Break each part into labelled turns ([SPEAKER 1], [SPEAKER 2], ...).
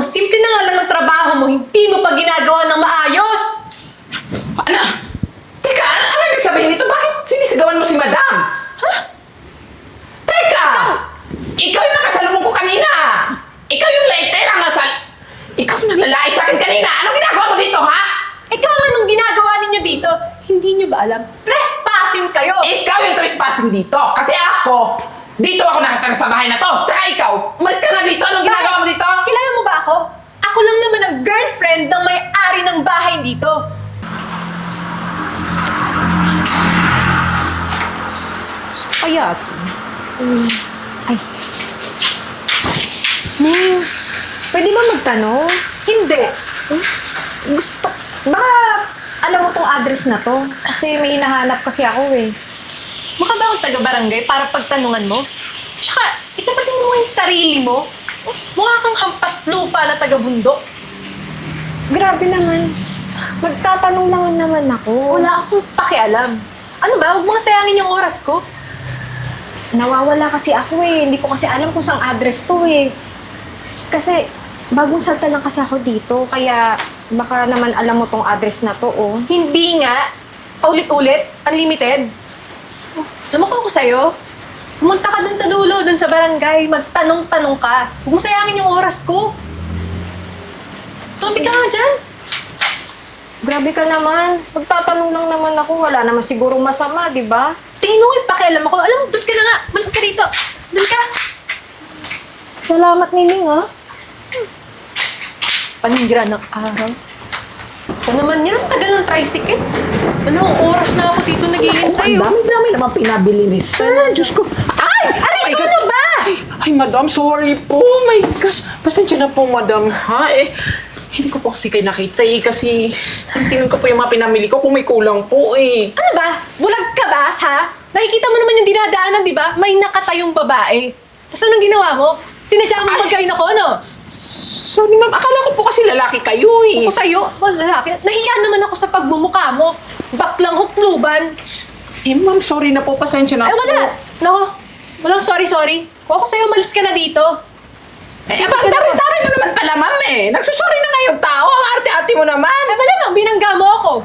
[SPEAKER 1] ang simple na nga lang ng trabaho mo, hindi mo pa ginagawa ng maayos!
[SPEAKER 2] Ano? Teka, ano ibig sabihin nito? Bakit sinisigawan mo si Madam? Ha? Teka! Ikaw yung nakasalubong ko kanina! Ikaw yung laitera Ikaw yung naglalait sa akin kanina! Anong ginagawa mo dito, ha?
[SPEAKER 1] Ikaw nga anong ginagawa ninyo dito? Hindi nyo ba alam? Trespassing kayo!
[SPEAKER 2] Ikaw yung trespassing dito! Kasi ako, dito ako nakatira sa bahay na to! Tsaka ikaw, umalis ka nga dito! Anong ginagawa mo dito?
[SPEAKER 1] Kilala mo ba ako? Ako lang naman ang girlfriend ng may-ari ng bahay dito.
[SPEAKER 3] Kaya, ay. Ning, pwede ba magtanong?
[SPEAKER 1] Hindi.
[SPEAKER 3] Gusto, baka alam mo tong address na to? Kasi may hinahanap kasi ako eh.
[SPEAKER 1] Mukha ba akong taga-barangay para pagtanungan mo? Tsaka, isa pa tingin mo yung sarili mo? Mukha kang hampas lupa na taga-bundok.
[SPEAKER 3] Grabe naman. Magtatanong lang naman ako.
[SPEAKER 1] Wala akong pakialam. Ano ba? Huwag mo nga sayangin yung oras ko.
[SPEAKER 3] Nawawala kasi ako eh. Hindi ko kasi alam kung saan address to eh. Kasi bagong salta lang kasi ako dito. Kaya baka naman alam mo tong address na to oh.
[SPEAKER 1] Hindi nga. Paulit-ulit. Unlimited. Namakon ko sa'yo. Pumunta ka dun sa dulo, dun sa barangay. Magtanong-tanong ka. Huwag mo sayangin yung oras ko. Tumapit ka nga dyan.
[SPEAKER 3] Grabe ka naman. Magtatanong lang naman ako. Wala naman sigurong masama, di ba?
[SPEAKER 1] Tingin mo yung pakialam ako. Alam mo, doon ka na nga. Malis ka dito. Doon ka.
[SPEAKER 3] Salamat, Nining ah.
[SPEAKER 1] Paninira ng araw. Ito naman yan. Ang tagal ng tricycle. Dalawang oras na ako dito naghihintay.
[SPEAKER 2] Ang dami-dami naman pinabili ni Sir. Diyos ko. Ay!
[SPEAKER 1] Aray,
[SPEAKER 2] My
[SPEAKER 1] ikaw
[SPEAKER 2] gosh.
[SPEAKER 1] na ba?
[SPEAKER 2] Ay, Madam, sorry po. My gosh. Pasensya na po, Madam, ha? Hindi ko po kasi kayo nakita kasi tingnan ko po yung mga pinamili ko kung may kulang po eh.
[SPEAKER 1] Ano ba? Bulag ka ba, ha? Nakikita mo naman yung dinadaanan, di ba? May nakatayong babae. Tapos anong ginawa mo? Sinadya mo magkain ako, no?
[SPEAKER 2] Sorry, ma'am. Akala ko po kasi lalaki kayo eh.
[SPEAKER 1] Ako sa'yo, lalaki. Nahiya naman ako sa pagmumukha mo. Baklang hukluban.
[SPEAKER 2] Eh, ma'am, sorry na po. Pasensya na
[SPEAKER 1] Ay,
[SPEAKER 2] po.
[SPEAKER 1] wala. Nako, walang sorry. Kung ako sa'yo, malis ka na dito.
[SPEAKER 2] Eh, abang taray-taray mo naman pala, ma'am eh. Nagsusorry na nga yung tao. Ang arte-arte mo naman.
[SPEAKER 1] Ay, malamang, binangga mo ako.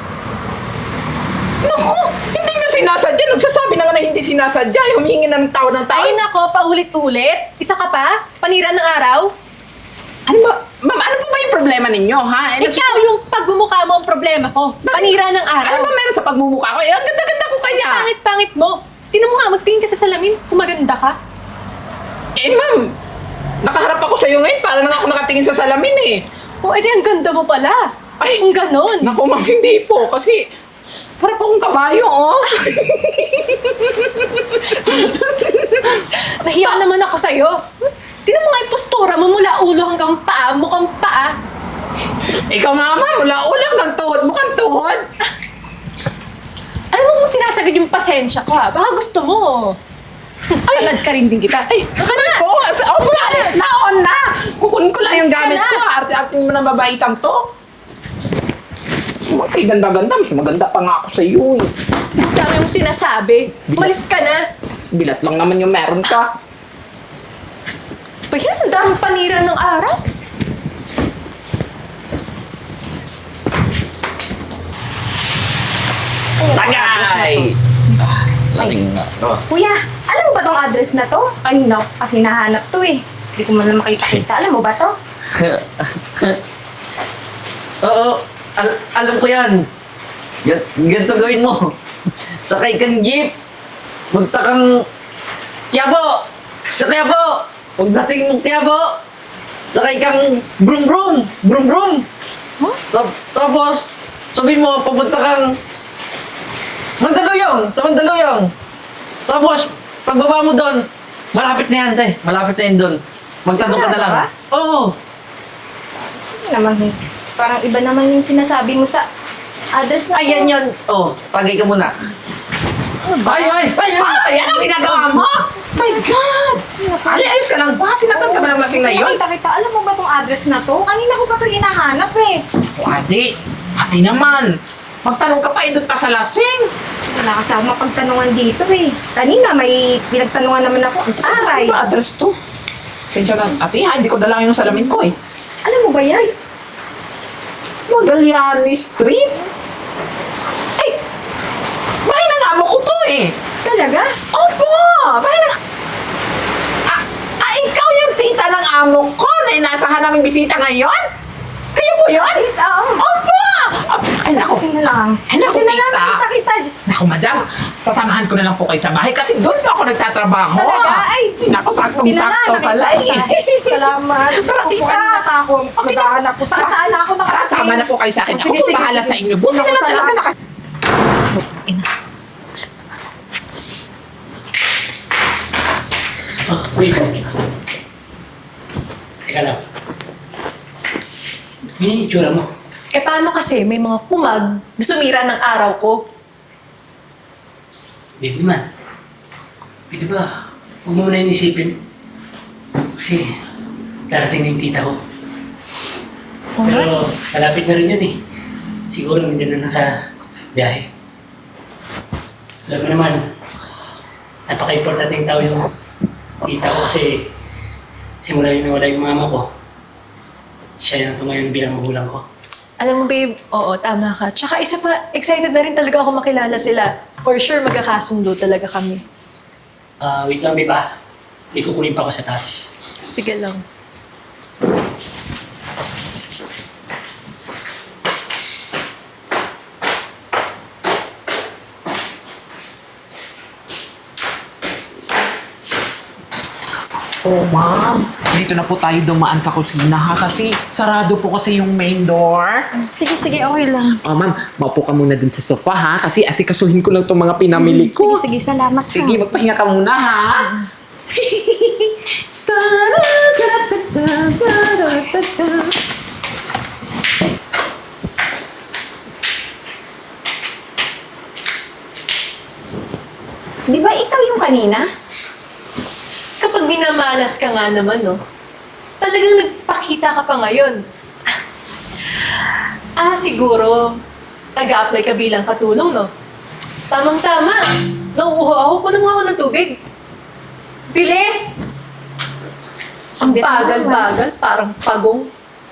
[SPEAKER 2] Naku, hindi nga sinasadya. Nagsasabi na nga na hindi sinasadya. Humingi na ng tao ng tao.
[SPEAKER 1] Ay, nako, paulit-ulit. Isa ka pa? Panira ng araw?
[SPEAKER 2] Ano ba? Ma'am, ano po ba yung problema ninyo, ha?
[SPEAKER 1] Ikaw yung pagmumukha mo ang problema ko. Panira ng
[SPEAKER 2] Ano
[SPEAKER 1] araw.
[SPEAKER 2] ba meron sa pagmumukha ko? Eh, ang ganda-ganda ko kaya.
[SPEAKER 1] Pangit-pangit mo. Tinan mo nga, magtingin ka sa salamin kung maganda ka.
[SPEAKER 2] Eh, ma'am, nakaharap ako sa'yo ngayon. Para na nga ako nakatingin sa salamin eh.
[SPEAKER 1] O, edi ang ganda mo pala.
[SPEAKER 2] Ay,
[SPEAKER 1] Ang ganon.
[SPEAKER 2] naku, ma'am, hindi po. Kasi, para po akong kabayo, oh.
[SPEAKER 1] Nahiya naman ako sa'yo. Tinan mo nga yung postura mo mula ulo hanggang paa, mukhang paa.
[SPEAKER 2] Ikaw, mama, mula ulang ng tuhod. Mukhang tuhod.
[SPEAKER 1] Alam mo kung sinasagad yung pasensya ko ha? Baka gusto mo. Talad ka rin din kita. Ay, baka na!
[SPEAKER 2] Po, oh, alis na, on na. Kukunin ko lang yung
[SPEAKER 1] Alis ka
[SPEAKER 2] gamit
[SPEAKER 1] na.
[SPEAKER 2] ko. Arte-arte mo ng babaitang to. Ay, ganda-ganda. Mas maganda pa nga ako sa iyo eh.
[SPEAKER 1] Dami mong sinasabi. Umalis ka na.
[SPEAKER 2] Bilat lang naman yung meron ka.
[SPEAKER 1] Pa yan, ang daming panira ng araw.
[SPEAKER 2] Tagay!
[SPEAKER 4] Lasing na to.
[SPEAKER 3] Kuya, alam mo ba tong address na to? Kanina ko kasi nahanap to eh. Hindi ko man lang makita. Alam mo ba to?
[SPEAKER 4] Oo, alam ko yan. Ganito gawin mo. Sakay kang jeep. Punta kang Quiapo. Sa Quiapo. Pagdating ng Quiapo, sakay kang brum brum. Brum brum.
[SPEAKER 3] Huh?
[SPEAKER 4] Tapos, sabihin mo, papunta kang Mandaluyong. Sa Mandaluyong. Tapos, pagbaba mo doon, malapit na yan, te. Malapit na yan doon. Magtanong ka na lang.
[SPEAKER 3] Sigurado
[SPEAKER 4] Oo.
[SPEAKER 3] Ano naman eh. Parang iba naman yung sinasabi mo sa address na to.
[SPEAKER 4] Ayan yun. Oh, tagay ka muna.
[SPEAKER 2] Ay! Yan ang ginagawa mo! My God! Ali, ayos ka lang ba? Sinatan ka ba ng lasing na yun?
[SPEAKER 3] Kita. Alam mo ba tong address na to? Kanina ko pa to hinahanap eh.
[SPEAKER 2] Ate naman. Magtanong ka pa, doon pa sa lasing.
[SPEAKER 3] Wala kasi ako mapagtanungan dito eh. Kanina may pinagtanungan naman ako. Ang taray.
[SPEAKER 2] Ano ba address to? Sensya na, ate ha, hindi ko dala yung salamin ko eh.
[SPEAKER 3] Alam mo ba yan?
[SPEAKER 2] Magallanes Street? Ay, bahay ng amo ko to eh.
[SPEAKER 3] Talaga?
[SPEAKER 2] Opo! Bahay ng... ikaw yung tita ng amo ko na inasahan naming bisita ngayon? Kayo po yun?
[SPEAKER 3] Yes, oo.
[SPEAKER 2] Opo! Ay, naku.
[SPEAKER 3] Okay na lang.
[SPEAKER 2] Ay, naku,
[SPEAKER 3] Okay na lang,
[SPEAKER 2] tita.
[SPEAKER 3] kita.
[SPEAKER 2] Naku, madam, sasamahan ko na lang po kayo sa bahay kasi doon po ako nagtatrabaho.
[SPEAKER 3] Talaga? Ay,
[SPEAKER 2] naku, saktong-sakto pala eh.
[SPEAKER 3] Salamat.
[SPEAKER 2] Tara, tita.
[SPEAKER 3] Kanina pa ako. Maghahanap ko. Saan na ako nakarating?
[SPEAKER 2] Sama na po kayo sa akin.
[SPEAKER 3] Oh,
[SPEAKER 2] Ako
[SPEAKER 3] sige,
[SPEAKER 2] po
[SPEAKER 3] sige,
[SPEAKER 2] bahala
[SPEAKER 3] sige.
[SPEAKER 2] sa inyo. Buti
[SPEAKER 3] Naku,
[SPEAKER 2] na talaga
[SPEAKER 3] salamat.
[SPEAKER 2] nakas...
[SPEAKER 5] Oh, wait. Teka lang. Ganyan yung itsura mo.
[SPEAKER 1] Eh paano kasi may mga kumag na sumira ng araw ko?
[SPEAKER 5] Babe naman. Pwede ba? Huwag mo muna inisipin. Kasi darating na yung tita ko.
[SPEAKER 1] Oo nga.
[SPEAKER 5] Pero malapit na rin yun eh. Siguro nandiyan na lang sa biyahe. Alam mo naman, napaka-importanting tao yung tita ko kasi simula yung nawala yung mama ko. Siya yung tumayon bilang magulang ko.
[SPEAKER 1] Alam mo babe, oo, tama ka. Tsaka isa pa, excited na rin talaga ako makilala sila. For sure, magkakasundo talaga kami.
[SPEAKER 5] Wait lang, babe ah. May kukunin pa ako sa taas.
[SPEAKER 1] Sige lang.
[SPEAKER 2] Oh, ma'am. Dito na po tayo dumaan sa kusina ha kasi sarado po kasi yung main door.
[SPEAKER 3] Sige, sige, okay lang.
[SPEAKER 2] Oh, ma'am, maupo ka muna dun sa sofa ha kasi asikasuhin ko lang itong mga pinamili ko.
[SPEAKER 3] Sige, sige, salamat.
[SPEAKER 2] Sige, magpahinga ka muna ha.
[SPEAKER 3] Di ba ikaw yung kanina?
[SPEAKER 1] Kapag minamalas ka nga naman, no? Talagang nagpakita ka pa ngayon. Siguro, nag-a-apply ka bilang katulong, no? Tamang-tama. Nauuho ako. Puno mo ako ng tubig. Bilis! Ang bagal-bagal, parang pagong.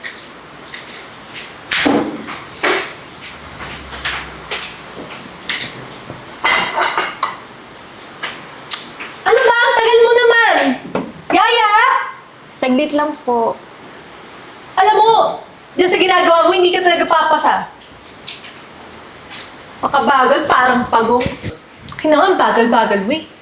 [SPEAKER 1] Ano ba? Ang tagal mo naman! Yaya!
[SPEAKER 3] Saglit lang po.
[SPEAKER 1] Alam mo, dyan sa ginagawa mo, hindi ka talaga papasa. Makabagal, parang pagong. Kailangan bagal-bagal mo eh.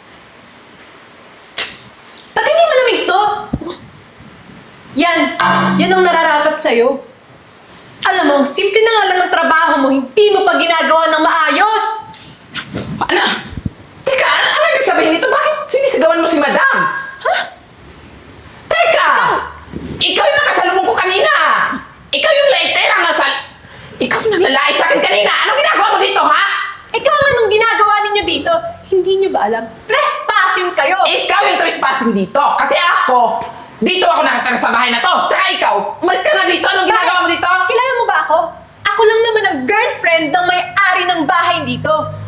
[SPEAKER 1] Ba't hindi malamig to? Yan! Yan ang nararapat sa'yo. Alam mo, ang simple na nga lang ng trabaho mo, hindi mo pa ginagawa ng maayos!
[SPEAKER 2] Ano? Teka, ano ibig sabihin nito? Bakit sinisigawan mo si madam? Ha? Teka! Ikaw yung nakasalubong ko kanina! Ikaw yung laitera nasal... Ikaw yung naglalait sa akin kanina! Anong ginagawa mo dito, ha?
[SPEAKER 1] Ikaw anong ginagawa ninyo dito? Hindi nyo ba alam? Trespassing kayo!
[SPEAKER 2] Ikaw yung trespassing dito! Kasi ako, dito ako nakatira sa bahay na to! Tsaka ikaw, umalis ka nga dito! Anong ginagawa mo dito?
[SPEAKER 1] Kilala mo ba ako? Ako lang naman ang girlfriend ng may-ari ng bahay dito.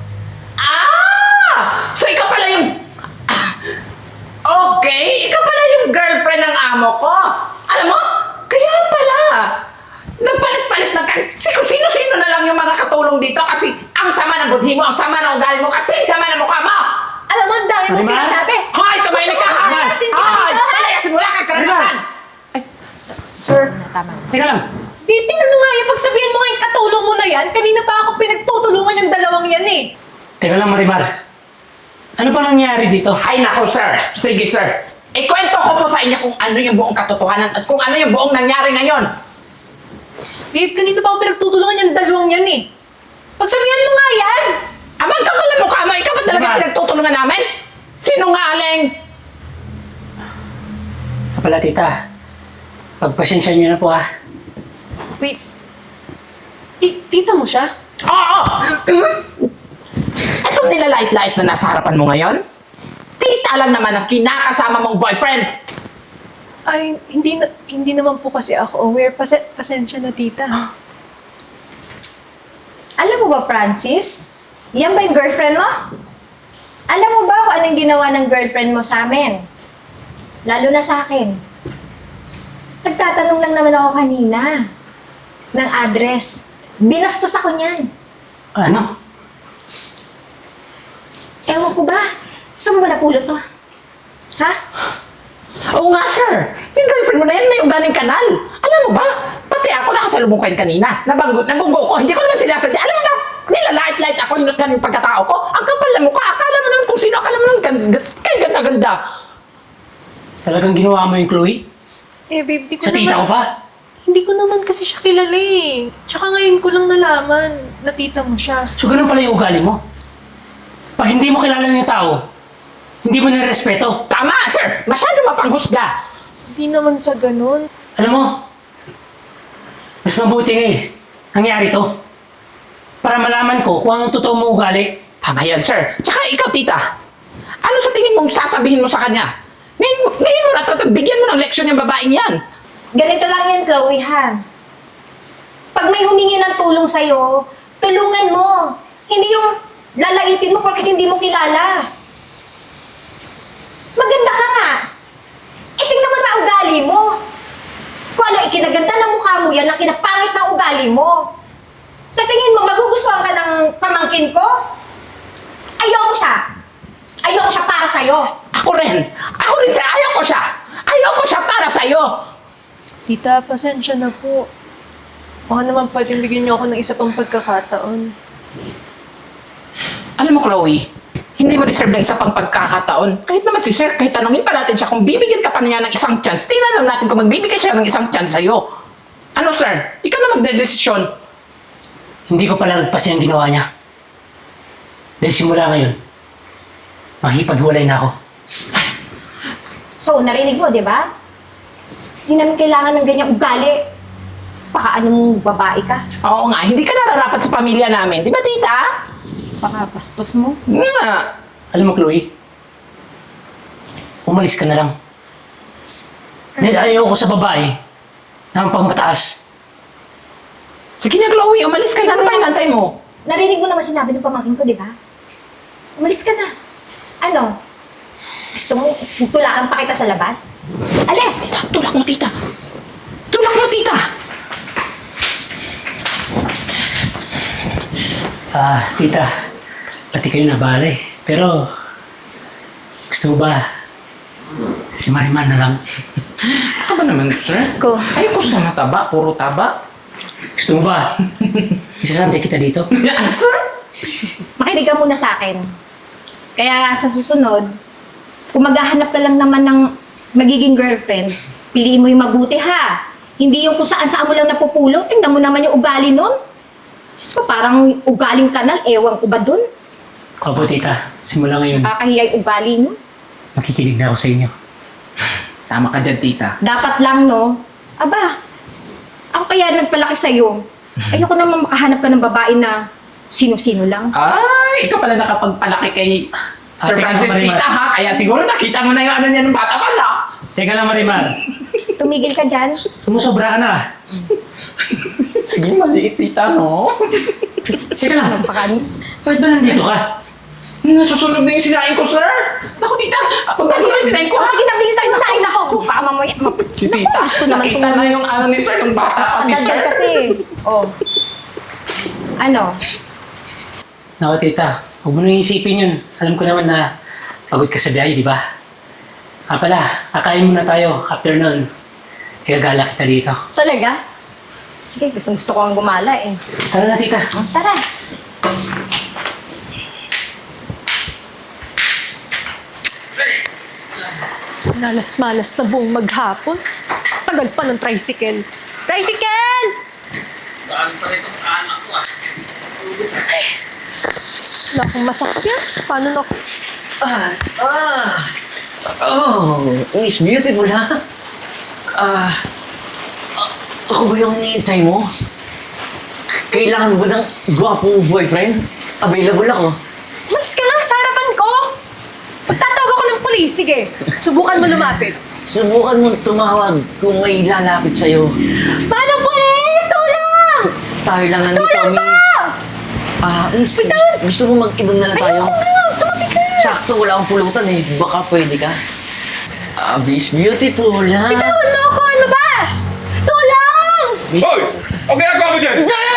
[SPEAKER 2] Ah! So ikaw pala yung... Okay, ikaw pala yung girlfriend ng amo ko. Alam mo, kaya pala. Nagpalit-palit ng sino-sino na lang yung mga katulong dito kasi ang sama ng budhi mo, ang sama ng ugali mo, kasi ang sama ng mukha mo.
[SPEAKER 1] Alam mo, ang dami mong
[SPEAKER 5] Marimar?
[SPEAKER 1] sinasabi.
[SPEAKER 2] Hoy, tumahimik ka, ha?
[SPEAKER 1] Gusto ko
[SPEAKER 2] Hoy,
[SPEAKER 1] malasin ka dito, ha?
[SPEAKER 2] palayasin mo lang kang karanasan.
[SPEAKER 5] Sir,
[SPEAKER 3] Tama.
[SPEAKER 5] teka lang.
[SPEAKER 1] Babe, tingnan mo nga yung pagsabihan mo nga yung katulong mo na yan. Kanina pa ako pinagtutulungan ng dalawang yan eh.
[SPEAKER 5] Teka lang, Marimar. Ano ba nangyari dito?
[SPEAKER 2] Ay nako, sir. Sige, sir. Ikwento ko po sa inyo kung ano yung buong katotohanan at kung ano yung buong nangyari ngayon.
[SPEAKER 1] Babe, kanina pa ako pinagtutulungan yung dalawang yan eh. Pagsabihan mo nga yan!
[SPEAKER 2] Abang ka pala mukha mo, ikaw ba talaga
[SPEAKER 5] Diba?
[SPEAKER 2] pinagtutulungan namin? Sinungaling!
[SPEAKER 5] Pala, tita. Pagpasensya niyo na po ah.
[SPEAKER 1] Wait. Tita mo siya?
[SPEAKER 2] Oo! Itong nilalait-lait na nasa harapan mo ngayon? Tita lang naman ang kinakasama mong boyfriend!
[SPEAKER 1] Ay, hindi naman po kasi ako aware. Pasensya na, tita.
[SPEAKER 3] Alam mo ba, Francis? Yan ba yung girlfriend mo? Alam mo ba kung anong ginawa ng girlfriend mo sa amin? Lalo na sa akin. Nagtatanong lang naman ako kanina ng address. Binastos ako niyan.
[SPEAKER 5] Ano?
[SPEAKER 3] Ewan ko ba? Saan mo ba napulot to? Ha?
[SPEAKER 2] Oo nga, sir. Yung girlfriend mo na yan may ugaling kanal. Alam mo ba? Pati ako nakasalubong kayo kanina. Nabunggo ko. Hindi ko naman sinasadya. Alam mo ba? Nilalait-lait ako yung ganun yung pagkatao ko. Ang kapal na mukha. Akala mo naman kung sino. Akala mo naman kayo ganda-ganda.
[SPEAKER 5] Talagang ginawa mo yung Chloe?
[SPEAKER 1] Eh, babe, di ko
[SPEAKER 5] Sa tita ko
[SPEAKER 1] naman...
[SPEAKER 5] pa?
[SPEAKER 1] Hindi ko naman kasi siya kilala eh. Tsaka ngayon ko lang nalaman na tita mo siya.
[SPEAKER 5] So ganun pala yung ugali mo? Pag hindi mo kilala yung tao, hindi mo nirespeto.
[SPEAKER 2] Tama, sir. Masyado mapanghusga.
[SPEAKER 1] Hindi naman sa ganun.
[SPEAKER 5] Alam mo, mas mabuti nangyari to. Para malaman ko kung anong totoo mo ugali.
[SPEAKER 2] Tama yan, sir. Tsaka ikaw, tita. Ano sa tingin mong sasabihin mo sa kanya? Ngayon mo natatang bigyan mo ng leksyon yung babaeng yan.
[SPEAKER 3] Ganito lang yan, Chloe, ha? Pag may humingi ng tulong sa'yo, tulungan mo. Hindi yung lalaitin mo porque hindi mo kilala. Maganda ka nga. Eh, tingnan mo na ugali mo. Kung ano ikinaganda ng mukha mo yan, ang kinapangit ng ugali mo. Sa tingin mo, magugustuhan ka ng pamangkin ko? Ayoko siya. Ayoko siya para sa'yo.
[SPEAKER 2] Ako rin, sir. Ayoko siya. Ayoko siya para sa'yo.
[SPEAKER 1] Tita, pasensya na po. Baka naman pwedeng bigyan niyo ako ng isa pang pagkakataon.
[SPEAKER 2] Alam mo, Chloe, hindi mo deserve ng isa pang pagkakataon. Kahit naman si sir, kahit tanongin pa natin siya kung bibigyan ka pa niya ng isang chance, tingnan lang natin kung magbibigay siya ng isang chance sa'yo. Ano, sir? Ikaw na magdedesisyon.
[SPEAKER 5] Hindi ko pala nagpasi ang ginawa niya. Dahil simula ngayon, makikipaghiwalay na ako.
[SPEAKER 3] So, narinig mo, di ba? Hindi namin kailangan ng ganyang ugali. Baka anong babae ka?
[SPEAKER 2] Oo nga, hindi ka nararapat sa pamilya namin. Di ba, tita?
[SPEAKER 3] Baka bastos mo.
[SPEAKER 2] Nga.
[SPEAKER 5] Alam mo, Chloe, umalis ka na lang. Dahil ayaw ko sa babae na ang pagmataas.
[SPEAKER 2] Sige na, Chloe, umalis ka na. Ano pa inantay mo?
[SPEAKER 3] Narinig mo naman sinabi ng pamangkin ko, di ba? Umalis ka na. Ano? Gusto mo tulakan pa kita sa labas? Alis!
[SPEAKER 2] Tulak mo, tita. Tulak mo, tita.
[SPEAKER 5] Tita, pati kayo nabahala eh. Pero, gusto mo ba si Mariman na lang?
[SPEAKER 2] Ano ka ba naman, sir?
[SPEAKER 3] Ko.
[SPEAKER 2] Ayoko sa mataba, puro taba.
[SPEAKER 5] Gusto mo ba isasante kita dito?
[SPEAKER 2] Yan, sir.
[SPEAKER 3] Makinig ka muna sa akin. Kaya sa susunod, kung maghahanap ka lang naman ng magiging girlfriend, piliin mo yung mabuti ha. Hindi yung kung saan-saan mo lang napupulot. Tingnan mo naman yung ugali nun. Diyos ko, parang ugaling kanal. Ewan ko ba dun?
[SPEAKER 5] Opo, tita. Simula ngayon,
[SPEAKER 3] Kakahiyay ugali nun.
[SPEAKER 5] makikinig na ako sa inyo.
[SPEAKER 2] Tama ka dyan, tita.
[SPEAKER 3] Dapat lang, no? Aba, ako kaya nagpalaki sa'yo. Ayoko naman makahanap ka ng babae na sino-sino lang.
[SPEAKER 2] Ay, ikaw pala nakapagpalaki kay Sir
[SPEAKER 5] Ate ka
[SPEAKER 2] Francis,
[SPEAKER 5] naman, Marimar.
[SPEAKER 2] tita, ha? Kaya siguro nakita mo na yung ano niya ng bata pala.
[SPEAKER 5] Teka lang, Mariman.
[SPEAKER 3] Tumigil ka dyan.
[SPEAKER 5] Sumusobra ka na.
[SPEAKER 2] Sige, maliit, tita, no?
[SPEAKER 5] Teka lang.
[SPEAKER 3] Napakano.
[SPEAKER 5] Bakit ba nandito ka?
[SPEAKER 2] Nasusunod na yung sinain ko, sir. Naku, tita, punta ko na yung sinain ko,
[SPEAKER 3] O
[SPEAKER 2] ha?
[SPEAKER 3] sige, nabilisan mo sa akin ako. Baka mamaya.
[SPEAKER 2] Si tita,
[SPEAKER 3] Gusto naman
[SPEAKER 2] nakita
[SPEAKER 3] kung-
[SPEAKER 2] na yung ano ni sir, yung bata pa si
[SPEAKER 3] Ang
[SPEAKER 2] sir.
[SPEAKER 3] daldal kasi. Oh. Ano?
[SPEAKER 5] Naku, tita. Huwag mo nang isipin yun. Alam ko naman na pagod ka sa biyahe, di ba? Pala, kakain muna tayo after nun. Igagala kita dito.
[SPEAKER 3] Talaga? Sige, gusto ko ang gumala eh.
[SPEAKER 5] Tara na, tita.
[SPEAKER 3] Tara.
[SPEAKER 1] Malas-malas na buong maghapon. Tagal pa ng tricycle. Tricycle!
[SPEAKER 4] Daan pa rin itong anak ko
[SPEAKER 1] Wala akong masakyan. Paano na ako?
[SPEAKER 4] Miss Beautiful, ha? Ako ba yung hinihintay mo? Kailangan mo ba ng gwapong boyfriend? Available ako.
[SPEAKER 1] Mas ka na sa harapan ko! Pagtatawag ako ng pulis, sige. Subukan mo lumapit.
[SPEAKER 4] Subukan mo tumawag kung may lalapit sa'yo.
[SPEAKER 1] Paano, pulis? Tulong!
[SPEAKER 4] Tayo lang nandito,
[SPEAKER 1] Tulong
[SPEAKER 4] Miss.
[SPEAKER 1] pa!
[SPEAKER 4] Miss, gusto mo mag-inom na lang tayo?
[SPEAKER 1] Tumabi ka!
[SPEAKER 4] Sakto, wala akong pulutan eh. Baka pwede ka. Miss Beautiful, ha?
[SPEAKER 1] Bitawan mo ako! Ano ba?
[SPEAKER 6] Hoy! Ang ginagawa mo dyan?
[SPEAKER 4] Hindi!